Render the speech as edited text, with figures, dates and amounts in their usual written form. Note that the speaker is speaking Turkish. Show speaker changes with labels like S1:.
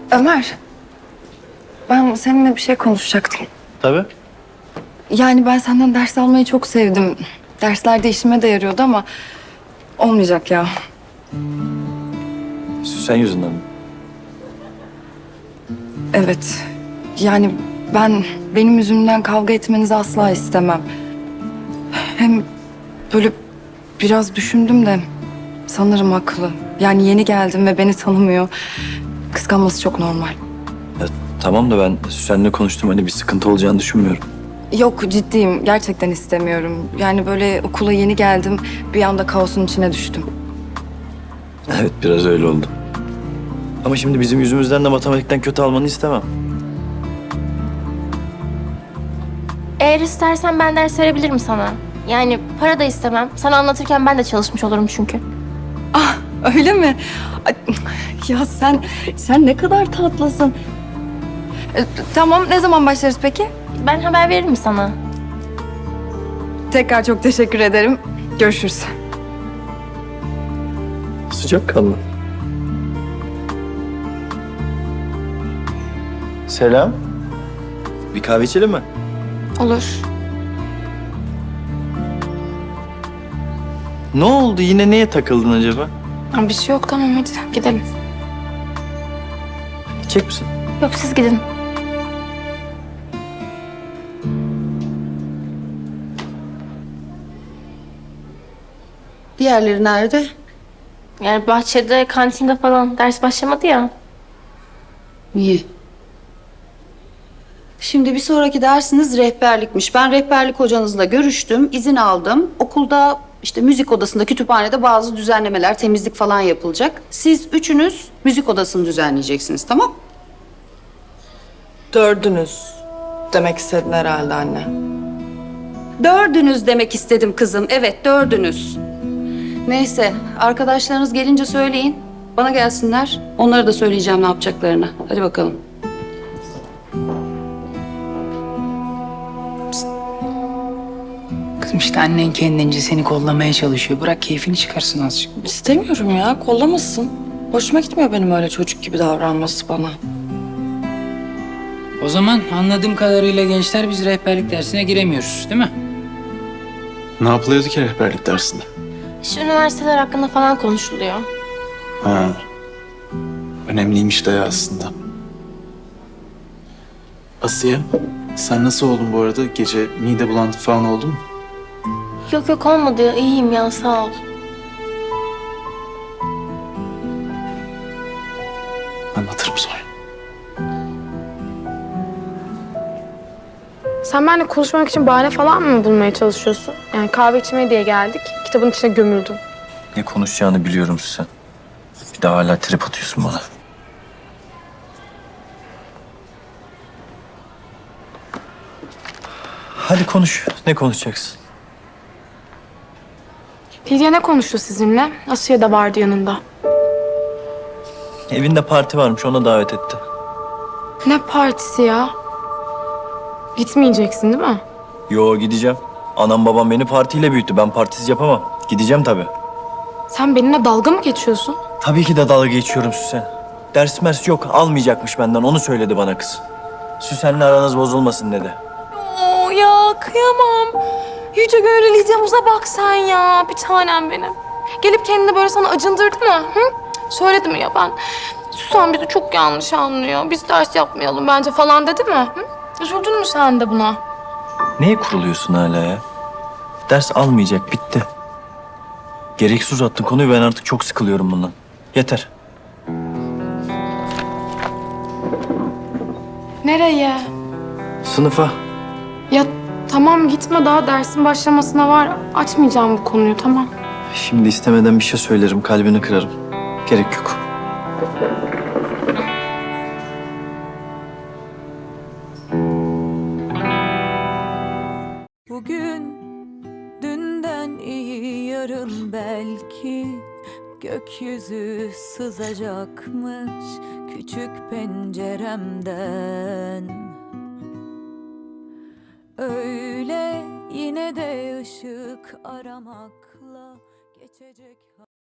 S1: Ömer, ben seninle bir şey konuşacaktım.
S2: Tabii.
S1: Yani ben senden ders almayı çok sevdim. Derslerde işime de yarıyordu ama olmayacak ya.
S2: Süsen yüzünden mi?
S1: Evet. Yani benim yüzümden kavga etmenizi asla istemem. Hem böyle biraz düşündüm de sanırım haklı. Yani yeni geldim ve beni tanımıyor. Kıskanması çok normal.
S2: Ya, tamam da ben Süsen'le konuştum. Hani bir sıkıntı olacağını düşünmüyorum.
S1: Yok ciddiyim. Gerçekten istemiyorum. Yani böyle okula yeni geldim. Bir anda kaosun içine düştüm.
S2: Evet, biraz öyle oldu. Ama şimdi bizim yüzümüzden de matematikten kötü almanı istemem.
S3: Eğer istersen ben ders verebilirim sana. Yani para da istemem. Sana anlatırken ben de çalışmış olurum çünkü.
S1: Öyle mi? Ay, ya sen ne kadar tatlısın. Tamam, ne zaman başlarız peki?
S3: Ben haber veririm sana.
S1: Tekrar çok teşekkür ederim. Görüşürüz.
S2: Sıcak kanlı. Selam. Bir kahve içelim mi?
S3: Olur.
S2: Ne oldu? Yine neye takıldın acaba?
S3: Bir şey yok, tamam hadi gidelim.
S2: İçecek misin?
S3: Yok, siz gidin.
S4: Diğerleri nerede?
S3: Yani bahçede, kantinde falan ders başlamadı ya.
S4: İyi. Şimdi bir sonraki dersiniz rehberlikmiş. Ben rehberlik hocanızla görüştüm, izin aldım. Okulda işte müzik odasında, kütüphanede bazı düzenlemeler, temizlik falan yapılacak. Siz üçünüz müzik odasını düzenleyeceksiniz, tamam?
S1: Dördünüz demek istedin herhalde anne.
S4: Dördünüz demek istedim kızım. Evet, dördünüz. Neyse, arkadaşlarınız gelince söyleyin. Bana gelsinler. Onlara da söyleyeceğim ne yapacaklarını. Hadi bakalım.
S5: Kızım işte annen kendince seni kollamaya çalışıyor. Bırak keyfini çıkarsın azıcık.
S1: İstemiyorum ya, kollamasın. Hoşuma gitmiyor benim öyle çocuk gibi davranması bana.
S5: O zaman anladığım kadarıyla gençler biz rehberlik dersine giremiyoruz değil mi?
S6: Ne yapılıyordu ki rehberlik dersinde?
S3: Şu üniversiteler hakkında falan konuşuluyor.
S6: Ha. Önemliymiş de ya aslında. Asiye, sen nasıl oldun bu arada? Gece mide bulantı falan oldu mu?
S3: Yok yok, olmadı. İyiyim ya, sağ ol.
S6: Anlatırım sonra.
S7: Sen benimle konuşmak için bahane falan mı bulmaya çalışıyorsun? Yani kahve içmeye diye geldik. Kitabın içine gömüldüm.
S2: Ne konuşacağını biliyorum Süsen. Bir daha hala trip atıyorsun bana. Hadi konuş. Ne konuşacaksın?
S7: Lidya ne konuştu sizinle? Asiye de vardı yanında.
S2: Evinde parti varmış, ona davet etti.
S7: Ne partisi ya? Gitmeyeceksin değil mi?
S2: Yo, gideceğim. Anam babam beni partiyle büyüttü. Ben partisiz yapamam. Gideceğim tabii.
S7: Sen benimle dalga mı geçiyorsun?
S2: Tabii ki de dalga geçiyorum Süsen. Ders mers yok, almayacakmış benden. Onu söyledi bana kız. Süsen'le aranız bozulmasın dedi.
S7: Oo ya kıyamam. Yüce gönüllü Lidya'mıza bak sen ya. Bir tanem benim. Gelip kendini böyle sana acındırdı mı? Hı? Söyledi mi ya ben? Susan bizi çok yanlış anlıyor. Biz ders yapmayalım bence falan dedi mi? Hı? Üzüldün mü sen de buna?
S2: Neye kuruluyorsun hala ya? Ders almayacak, bitti. Gereksiz uzattın konuyu, ben artık çok sıkılıyorum bundan. Yeter.
S7: Nereye?
S2: Sınıfa.
S7: Ya tamam gitme, daha dersin başlamasına var. Açmayacağım bu konuyu, tamam.
S2: Şimdi istemeden bir şey söylerim, kalbini kırarım. Gerek yok.
S8: Bugün dünden iyi, yarın belki gökyüzü sızacakmış küçük penceremden. Öyle yine de ışık aramakla geçecek.